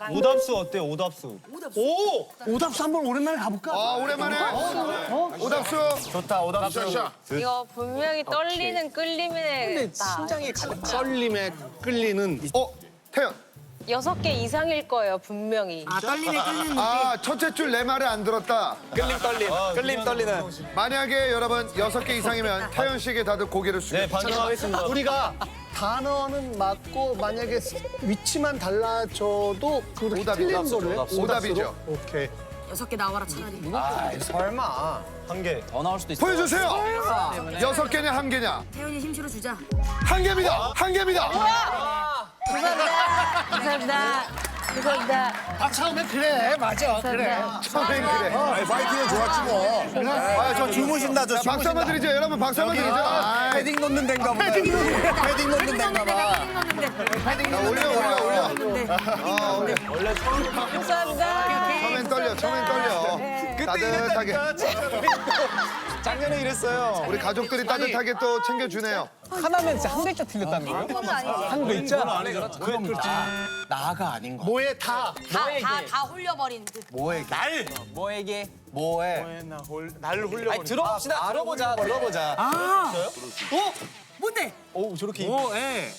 오답수 어때요? 오답수. 오답수 한번 오랜만에 가볼까? 오랜만에. 오답수. 좋다. 오답수. 이거 분명히 떨리는 끌림에 심장이 가득 떨림에 끌리는 태연. 6개 이상일 거예요, 분명히. 첫째 줄 내 말을 안 들었다. 끌림 떨리는. 만약에 여러분 6개 이상이면 태연 씨에게 다들 고개를 숙여. 네, 반성하겠습니다. 우리가 단어는 맞고 만약에 위치만 달라져도 그 틀린 거를 오답이죠. 오케이. 6개 나와라 차라리. 설마. 한 개. 더 나올 수도 있어. 보여주세요. 6개냐 한 개냐? 태연이 힘 실어주자. 한 개입니다. 한 개입니다. 감사합니다. 감사합니다. 감사합니다. 아 처음에 그래 맞아 그래. 처음엔 그래. 파이팅은 좋았지 뭐. 저 주무신다 저 박수 한번 드리죠. 여러분 박수 한번 드리죠. 패딩 넣는 데인가 보다. 패딩 넣는 데인가 봐. 올려. 감사합니다. 처음엔 떨려. 따뜻하게. 작년에 이랬어요. 우리 가족들이 따뜻하게 또 챙겨주네요. 하나면 진짜 한 글자 틀렸다는 거야? 한 글자? 그럼 나가 아닌 거. 뭐에 다. 다 홀려버린 듯. 뭐에게? 뭐에게? 뭐해? 날 홀려. 아니, 들어봅시다. 들어보자. 뭔데? 오, 저렇게. 뭐에?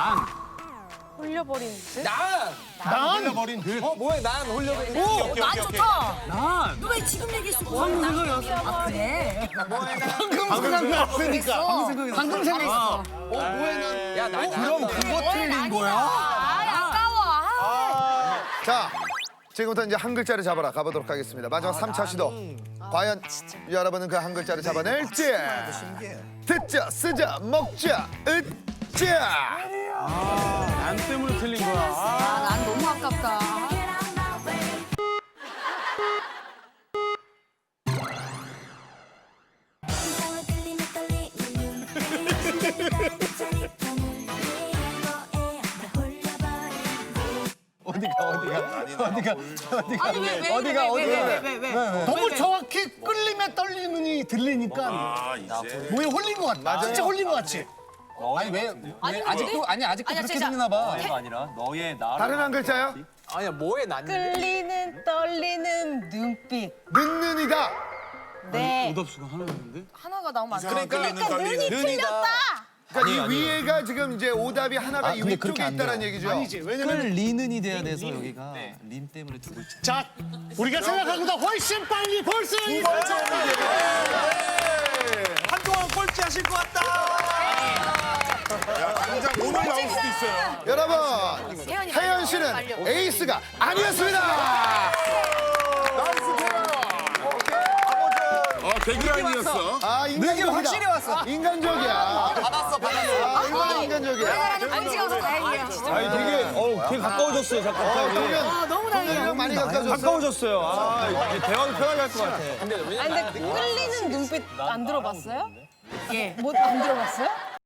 홀려버린 듯? 난 홀려버린 듯. 뭐해? 난 홀려버린. 난 좋다. 너 왜 지금 얘기했어? 방금 생각났어. 아 그래? 방금 생각났으니까. 방금 생각났어. 뭐해 난? 야, 난. 그럼 그거 틀린 거야? 아까워. 자, 지금부터 이제 한 글자를 잡아라 가보도록 하겠습니다. 마지막 3차 시도. 과연 여러분은 그 한 글자를 잡아낼지. 듣자, 쓰자, 먹자, 으자. 난 때문에 틀린 거야. 난 너무 아깝다. 아니 왜? 너무 정확히 끌림에 떨리는이 들리니까 뭐에 홀린 것 같아. 진짜 홀린 것 같지? 아니, 왜 아직도 아니야, 그렇게 진짜. 들리나 봐. 가 아니라 너의 나를. 다른 한 글자요? 아니야, 뭐에 난. 끌리는 떨리는 눈빛. 는는이다. 네. 오답수가 하나 있는데? 하나가 나오면 안 돼. 그러니까 눈이 틀렸다. 그러니까 이 위에가 지금 이제 오답이 하나가 이 근데 위쪽에 그렇게 안 있다는 돼요. 얘기죠. 아니지. 왜냐면 끌리는이 돼야 돼서 여기가 림 때문에 두 글자. 자 우리가 생각한 것보다 훨씬 빨리 벌써 이 번째 한동안 꼴찌 하실 것 같다. 당장 오늘 나올 수도 있어요. 여러분, 태연 씨는 에이스가 아니었습니다. 개그라인이었어. 인간적이다. 확실히 왔어. 인간적이야. 받았어. 이거는 인간적이야. 안 찍어서 다행이야. 아니, 되게 가까워졌어요, 갑자기. 너무 다행이야. 많이 가까워졌어. 가까워졌어요. 이제 대화도 편하게 할 것 같아. 근데 끌리는 눈빛 안 들어봤어요? 예. 뭐 안 들어봤어요?